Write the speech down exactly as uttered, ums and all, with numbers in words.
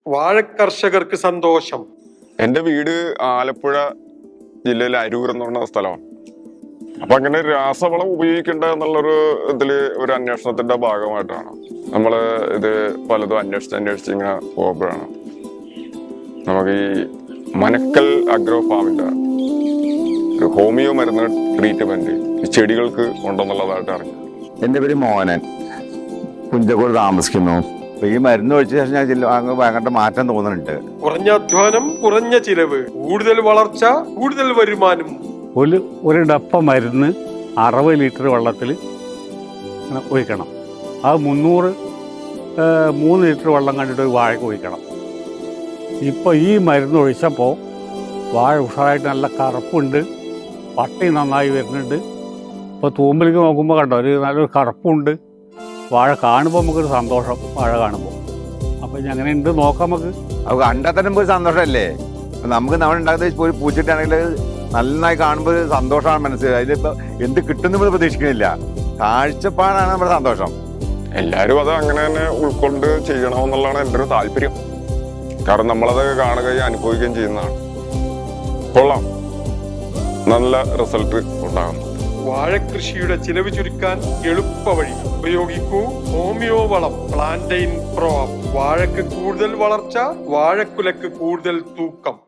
വാഴക്കർഷകർക്ക് സന്തോഷം. എൻ്റെ വീട് ആലപ്പുഴ ജില്ലയിലെ അരൂർ എന്ന് പറഞ്ഞ സ്ഥലമാണ്. അപ്പൊ അങ്ങനെ രാസവളം ഉപയോഗിക്കേണ്ട എന്നുള്ളൊരു ഇതില് ഒരു അന്വേഷണത്തിന്റെ ഭാഗമായിട്ടാണ് നമ്മൾ ഇത് പലതും അന്വേഷിച്ച് അന്വേഷിച്ച് ഇങ്ങനെ പോകുമ്പോഴാണ് നമുക്ക് ഈ മനക്കൽ അഗ്രോ ഫാമിന്റെ ഒരു ഹോമിയോ മരുന്ന് ട്രീറ്റ്മെന്റ് ഈ ചെടികൾക്ക് ഉണ്ടെന്നുള്ളതായിട്ട് അറിഞ്ഞു. എൻ്റെ പേര് മോഹനൻ, കുഞ്ചക്കോട് താമസിക്കുന്നു. ഈ മരുന്ന് ഒഴിച്ച ശേഷം ഞാൻ അങ്ങ് ഭയങ്കര മാറ്റം തോന്നുന്നുണ്ട്. കുറഞ്ഞ അധ്വാനം, കുറഞ്ഞ ചിലവ്, കൂടുതൽ വളർച്ച, കൂടുതൽ വരുമാനം. ഒരു ഒരു ഡപ്പ മരുന്ന് അറുപത് ലിറ്റർ വെള്ളത്തിൽ ഒഴിക്കണം. അത് മുന്നൂറ് മൂന്ന് ലിറ്റർ വെള്ളം കണ്ടിട്ട് ഒരു വാഴയ്ക്ക് ഒഴിക്കണം. ഇപ്പോൾ ഈ മരുന്ന് ഒഴിച്ചപ്പോൾ വാഴ ഉഷാറായിട്ട് നല്ല കറുപ്പുണ്ട്, പട്ടി നന്നായി വരുന്നുണ്ട്. ഇപ്പോൾ തൂമ്പിലേക്ക് നോക്കുമ്പോൾ കണ്ടോ ഒരു നല്ലൊരു കറുപ്പുണ്ട്. വാഴ കാണുമ്പോൾ നമുക്കൊരു സന്തോഷം, വാഴ കാണുമ്പോൾ. അപ്പം ഇനി അങ്ങനെ ഉണ്ട് നോക്കാം നമുക്ക്. അത് കണ്ടാൽ തന്നെ ഒരു സന്തോഷമല്ലേ. നമുക്ക് നമ്മൾ ഉണ്ടാക്കുന്ന ഒരു പൂച്ചിട്ടാണെങ്കിൽ നന്നായി കാണുമ്പോൾ ഒരു സന്തോഷമാണ് മനസ്സിലായി. അതിലിപ്പോൾ എന്ത് കിട്ടുന്ന നമ്മൾ പ്രതീക്ഷിക്കുന്നില്ല. കാഴ്ചപ്പാടാണ് നമ്മുടെ സന്തോഷം. എല്ലാവരും അത് അങ്ങനെ തന്നെ ഉൾക്കൊണ്ട് ചെയ്യണമെന്നുള്ളതാണ് എൻ്റെ ഒരു താല്പര്യം. കാരണം നമ്മളത് കാണുകയും അനുഭവിക്കുകയും ചെയ്യുന്നതാണ്. കൊള്ളാം, നല്ല റിസൾട്ട് ഉണ്ടാകുന്നു. വാഴക്കൃഷിയുടെ ചിലവ് ചുരുക്കാൻ എളുപ്പ വഴി ഉപയോഗിക്കൂ ഹോമിയോ വളം പ്ലാന്റൈൻ പ്രോ. വാഴക്ക് കൂടുതൽ വളർച്ച, വാഴക്കുലക്ക് കൂടുതൽ തൂക്കം.